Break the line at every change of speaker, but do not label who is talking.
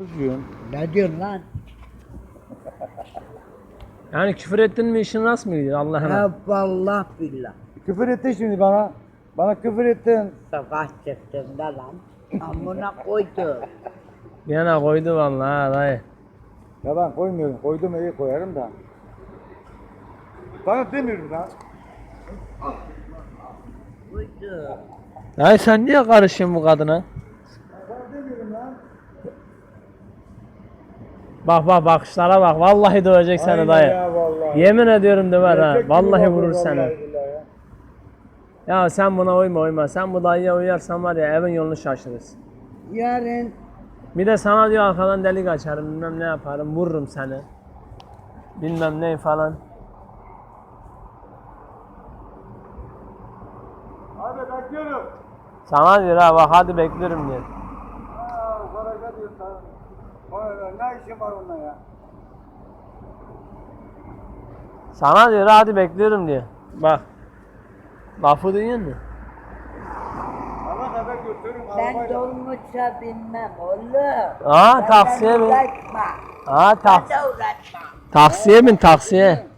Kızıyorum.
Ne diyorsun lan?
Yani küfür ettin mi işin nasıl mı gidiyor Allah'ına?
Ha vallahi billah.
Küfür ettin şimdi bana. Bana küfür ettin.
Sabah çıktığımda lan. Amına koydu.
Yana koydu vallahi ha dayı.
Ya ben koymuyorum. Koydum iyi koyarım da. Sana demiyorum lan.
Koydu.
Dayı sen niye karışıyorsun bu kadına?
Sana demiyorum lan.
Bak bakışlara bak. Vallahi dövecek seni
Aynen
dayı.
ya vallahi.
Yemin ediyorum döver ha.
Erkek gibi
Vallahi
bakıyor
vurur
vallahi
seni.
billahi ya.
Ya sen buna uyma. Sen bu dayıya uyarsan var ya evin yolunu şaşırırsın.
Yarın
Bir de sana diyor arkadan delik açarım bilmem ne yaparım vururum seni. Bilmem ne falan.
Hadi bekliyorum.
Sana diyor ha bak hadi bekliyorum diyor.
Sana ne diyor sana? Ne işin var onunla ya?
Sana diyor hadi bekliyorum diyor. Bak. Lafı duyuyor musun?
Ana kadar götürürüm
ben
arabayla.
dolmuşa binmem oğlum.
Aa taksiye bin.
Uğraşma.
Aa
Sen de uğraşma.
taksiye bin taksiye.